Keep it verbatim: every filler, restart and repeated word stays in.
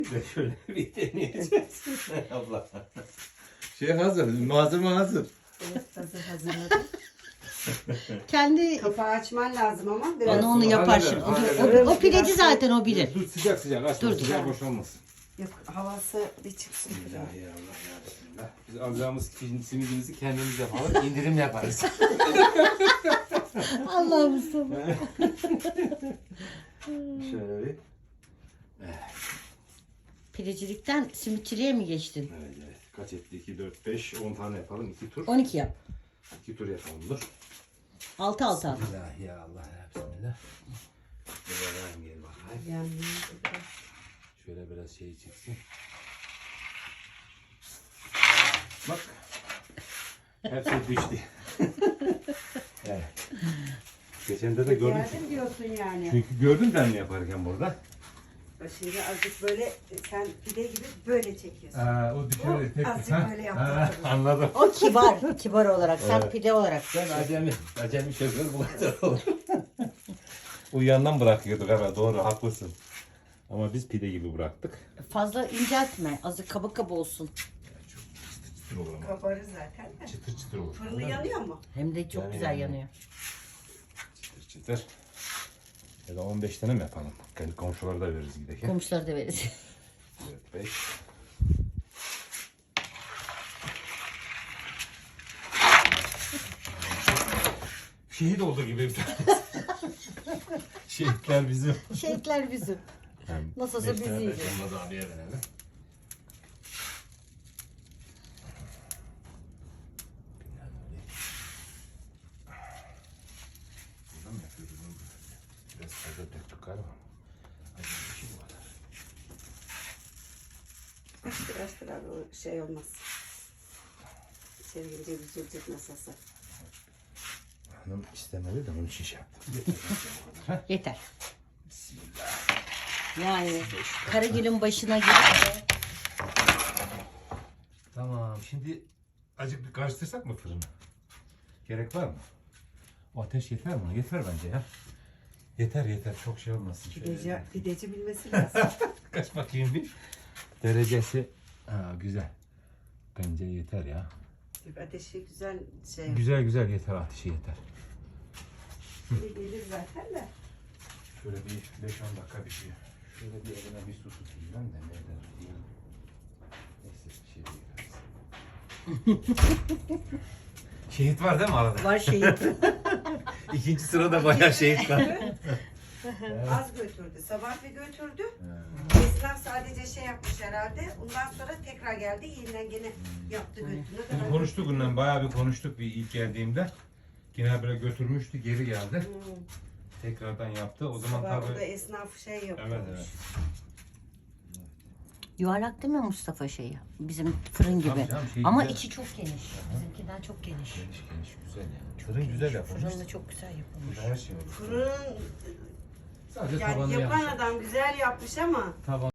Şöyle bir deneyeceğiz. Abla. Şey hazır, malzeme hazır. Evet, hazır hazırladım. Kendi Kapağı açman lazım ama biraz. bana onu yapar şimdi. O, o, o pideci zaten o bilir. Dur sıcak sıcak açma, Dur, dur. sıcak boşalmasın. Yok, havası bir çıksın. Ya ya Allah ya Bismillah. Biz alacağımız simidimizi kendimiz yapalım, indirim yaparız. Allah'ım sana. Şöyle bir. Pidecilikten simitçiliğe mi geçtin? Evet evet. Kaç etti? iki, dört, beş, on tane yapalım. iki tur. on iki yap. iki tur yapalım dur. altı altı al. Bismillah ya Allah ya Bismillah. Böyle gel bakayım. Yani, Şöyle biraz şey çeksin. Bak. Hepsi düştü. Evet. Geçen de de gördüm. geldim diyorsun yani. Çünkü gördüm ben yaparken burada. Şimdi azıcık böyle sen pide gibi böyle çekiyorsun. Aa, o düşerek tek azıcık ha? böyle Ha, yaptım. anladım. O kibar. Kibar olarak. Sen Evet. pide olarak. Ben acemi. Acemi şoför bu kadar olur. Uyuyandan bırakıyorduk evet doğru haklısın. Ama biz pide gibi bıraktık. Fazla inceltme. Azıcık kaba kaba olsun. Çok çıtır çıtır olur ama. Kabarır zaten de. Çıtır çıtır olur. Fırını yanıyor mu? Hem de çok Yani güzel yani. yanıyor. Çıtır çıtır. Ya da on beş tane mi yapalım? Kendi komşulara da veririz giderken. Komşuları da veririz. dört, beş. Şehit oldu gibi bir tanesi. Şehitler bizim. Şehitler bizim. Nasılsa bizi yiyecek. Onunla da abiye verelim. Buradan mı yapıyoruz bunu? Biraz fazla döktük galiba. Acı bir şey bu kadar. Biraz biraz o şey olmaz. İçeri girince üzülecek nasılsa. Hanım istemedi de onun için şey yaptım. Yeter. Bismillah. Yani Karagül'ün başına gelip Tamam şimdi acık bir karıştırsak mı fırını? Gerek var mı? O ateş yeter mi? Yeter bence ya. Yeter yeter çok şey olmasın. Pideci, pideci bilmesi lazım. Kaç bakayım bir. Derecesi. Ha, güzel. Bence yeter ya. Ateşi güzel şey. Güzel güzel yeter ateşi yeter. Şimdi gelir zaten de. Şöyle bir beş on dakika bir şey. Şöyle bir eline bir su tutayım ben de ne eder diyeyim. Neyse bir şey değil. Şehit var değil mi arada? var şehit. İkinci sırada bayağı şehit var. Az götürdü. Sabah bir götürdü. Ha. Esnaf sadece şey yapmış herhalde. Ondan sonra tekrar geldi. Yeniden gene yaptı götürdü. Ne Biz kadar konuştuk onunla bayağı bir konuştuk bir ilk geldiğimde. Yine böyle götürmüştü geri geldi. Hmm. Tekrardan yaptı. O zaman Sabah burada tabii. esnaf şey yapıyormuş. Evet evet. Yuvarlak değil mi Mustafa şeyi? Bizim fırın gibi. Tabii canım, şey Ama güzel. içi çok geniş. Bizimkinden çok geniş. Geniş geniş güzel yani. Fırın güzel yapılmış. Fırın da çok güzel yapılmış. Her şey olur. Fırın Sadece yani tabanı yapan yanlış. adam güzel yapmış ama Taban